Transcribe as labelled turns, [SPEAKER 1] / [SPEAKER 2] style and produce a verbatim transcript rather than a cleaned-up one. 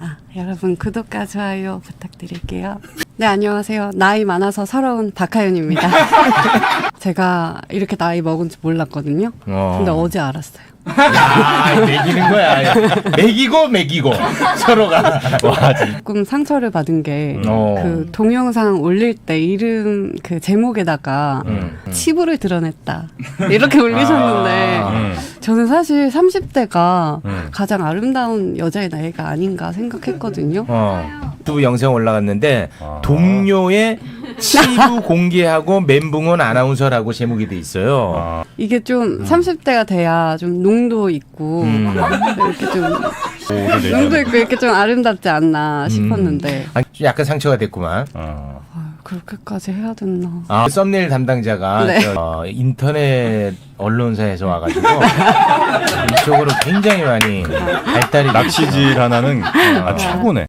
[SPEAKER 1] 아, 여러분 구독과 좋아요 부탁드릴게요. 네, 안녕하세요. 나이 많아서 서러운 박하윤입니다. 제가 이렇게 나이 먹은 줄 몰랐거든요.
[SPEAKER 2] 어.
[SPEAKER 1] 근데 어제 알았어요.
[SPEAKER 2] 야, 매기는 거야. 매기고 매기고 서로가. 와, 진짜.
[SPEAKER 1] 조금 상처를 받은 게 그
[SPEAKER 2] 어.
[SPEAKER 1] 동영상 올릴 때 이름 그 제목에다가
[SPEAKER 2] 음, 음.
[SPEAKER 1] 치부를 드러냈다 이렇게 올리셨는데
[SPEAKER 2] 아, 음.
[SPEAKER 1] 저는 사실 삼십 대가
[SPEAKER 2] 음.
[SPEAKER 1] 가장 아름다운 여자의 나이가 아닌가 생각했거든요.
[SPEAKER 2] 어. 두 영상 올라갔는데
[SPEAKER 3] 아.
[SPEAKER 2] 동료의 치부 공개하고 멘붕은 아나운서라고 제목이 돼 있어요.
[SPEAKER 3] 아,
[SPEAKER 1] 이게 좀 삼십 대가 돼야 좀 농도 있고
[SPEAKER 2] 음.
[SPEAKER 1] 이렇게 좀
[SPEAKER 3] 오를
[SPEAKER 1] 농도
[SPEAKER 3] 내면
[SPEAKER 1] 있고 이렇게 좀 아름답지 않나 싶었는데
[SPEAKER 2] 아, 약간 상처가 됐구만.
[SPEAKER 3] 어.
[SPEAKER 1] 아유, 그렇게까지 해야 됐나.
[SPEAKER 2] 아, 썸네일 담당자가
[SPEAKER 1] 네.
[SPEAKER 2] 저, 어, 인터넷 언론사에서 와가지고 이쪽으로 굉장히 많이 발달이
[SPEAKER 3] 낚시질 하나는 아, 최고네.